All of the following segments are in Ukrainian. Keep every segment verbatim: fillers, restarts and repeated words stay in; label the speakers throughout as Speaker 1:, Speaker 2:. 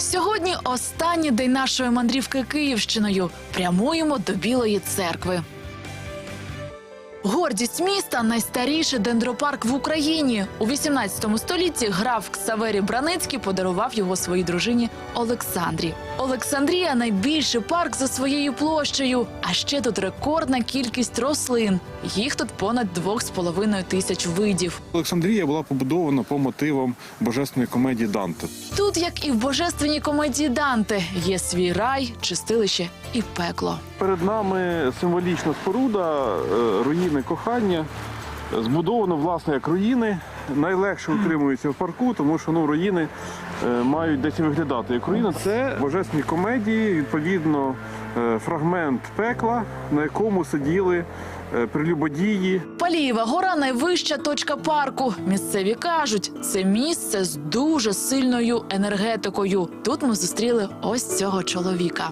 Speaker 1: Сьогодні останній день нашої мандрівки Київщиною. Прямуємо до Білої церкви. Гордість міста – найстаріший дендропарк в Україні. У вісімнадцятому столітті граф Ксаверій Браницький подарував його своїй дружині Олександрі. Олександрія – найбільший парк за своєю площею. А ще тут рекордна кількість рослин. Їх тут понад двох з половиною тисяч видів.
Speaker 2: Олександрія була побудована по мотивам божественної комедії Данте.
Speaker 1: Тут, як і в божественній комедії Данте, є свій рай, чистилище і пекло.
Speaker 2: Перед нами символічна споруда, руїни кохання. Збудовано, власне, як руїни. Найлегше утримуються в парку, тому що ну, руїни мають десь виглядати як руїни. Це божественні комедії, відповідно, фрагмент пекла, на якому сиділи прелюбодії.
Speaker 1: Палієва гора – найвища точка парку. Місцеві кажуть, це місце з дуже сильною енергетикою. Тут ми зустріли ось цього чоловіка.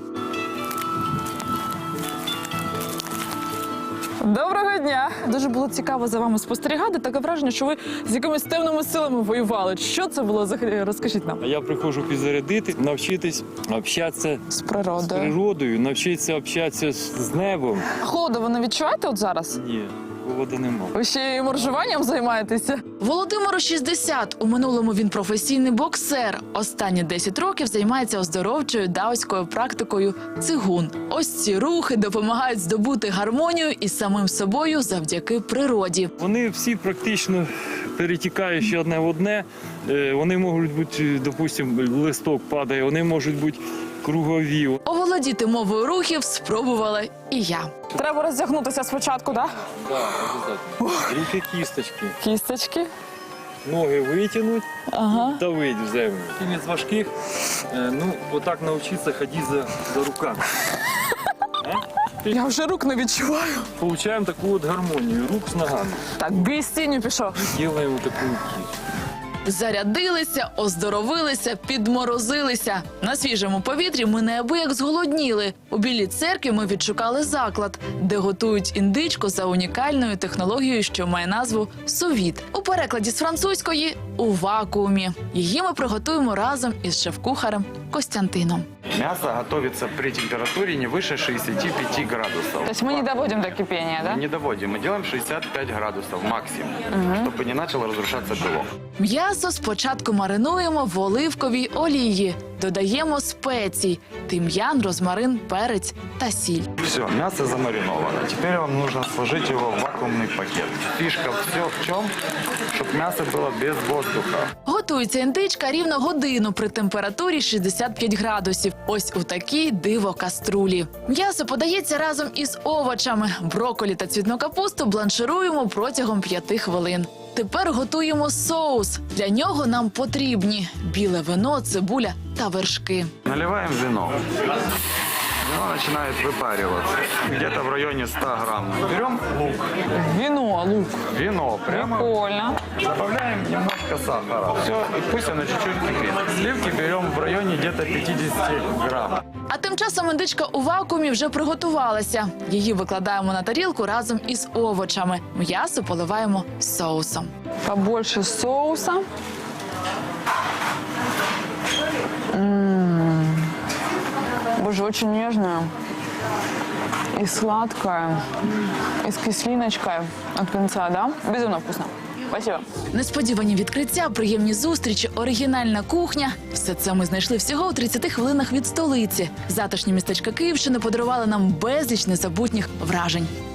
Speaker 1: Доброго дня! Дуже було цікаво за вами спостерігати. Таке враження, що ви з якимись темними силами воювали. Що це було? Розкажіть нам.
Speaker 3: Я приходжу підзарядити, навчитись общатися
Speaker 1: з природою,
Speaker 3: з природою, навчитися общатися з небом.
Speaker 1: Холоду ви не відчуваєте от зараз?
Speaker 3: Ні, холоду нема.
Speaker 1: Ви ще й моржуванням займаєтеся? Володимиру шістдесят. У минулому він професійний боксер. Останні десять років займається оздоровчою даоською практикою цигун. Ось ці рухи допомагають здобути гармонію із самим собою завдяки природі.
Speaker 3: Вони всі практично перетікаючи одне в одне. Вони можуть бути, допустимо, листок падає, вони можуть бути кругові.
Speaker 1: Оволодіти мовою рухів спробувала і я. Треба роздягнутися спочатку, так?
Speaker 3: Так, обов'язково. Руки кісточки.
Speaker 1: Кісточки.
Speaker 3: Ноги витягнуть,
Speaker 1: ага.
Speaker 3: давить в землю. Один з важких, ну, отак навчитися ходити за, за руками.
Speaker 1: Я вже рук не відчуваю.
Speaker 3: Получаємо таку от гармонію, рук з ногами.
Speaker 1: Так, бій з тінню пішов.
Speaker 3: І робимо таку кість.
Speaker 1: Зарядилися, оздоровилися, підморозилися. На свіжому повітрі ми неабияк зголодніли. У Білій церкві ми відшукали заклад, де готують індичку за унікальною технологією, що має назву «сувіт». У перекладі з французької – «у вакуумі». Її ми приготуємо разом із шеф-кухарем Костянтином.
Speaker 4: Мясо готовится при температуре не выше шестидесяти пяти градусов.
Speaker 1: То есть мы не доводим до кипения, да?
Speaker 4: Не доводим. Мы делаем шестьдесят пять градусов максимум, угу. чтобы не начал разрушаться белок.
Speaker 1: М'ясо спочатку маринуємо в оливковій олії. Додаємо спецій – тим'ян, розмарин, перець та сіль.
Speaker 4: Все, мясо замариновано. Теперь вам нужно сложить его в вакуумный пакет. Фишка все в чем, чтобы мясо было без воздуха.
Speaker 1: Готується індичка рівно годину при температурі шістдесят п'ять градусів. Ось у такій диво-каструлі. М'ясо подається разом із овочами. Брокколі та цвітну капусту бланшируємо протягом п'яти хвилин. Тепер готуємо соус. Для нього нам потрібні біле вино, цибуля та вершки.
Speaker 4: Наливаем вино. Вино начинает выпариваться. Где-то в районе ста грамм. Берем лук.
Speaker 1: Вино, лук.
Speaker 4: Вино прямо.
Speaker 1: Прикольно.
Speaker 4: Добавляем немножко сахара. Все, и пусть оно чуть-чуть кипит. Сливки берем в районе где-то пятидесяти грамм.
Speaker 1: А тим часом індичка у вакуумі вже приготувалася. Її викладаємо на тарілку разом із овочами. М'ясо поливаємо соусом.
Speaker 5: Побольше соуса. М-м-м. Боже, очень нежная и сладкая, и с кислиночкой от конца, да? Безумно вкусно. Спасибо.
Speaker 1: Несподівані відкриття, приємні зустрічі, оригінальна кухня – все це ми знайшли всього у тридцяти хвилинах від столиці. Затишні містечка Київщини подарували нам безліч незабутніх вражень.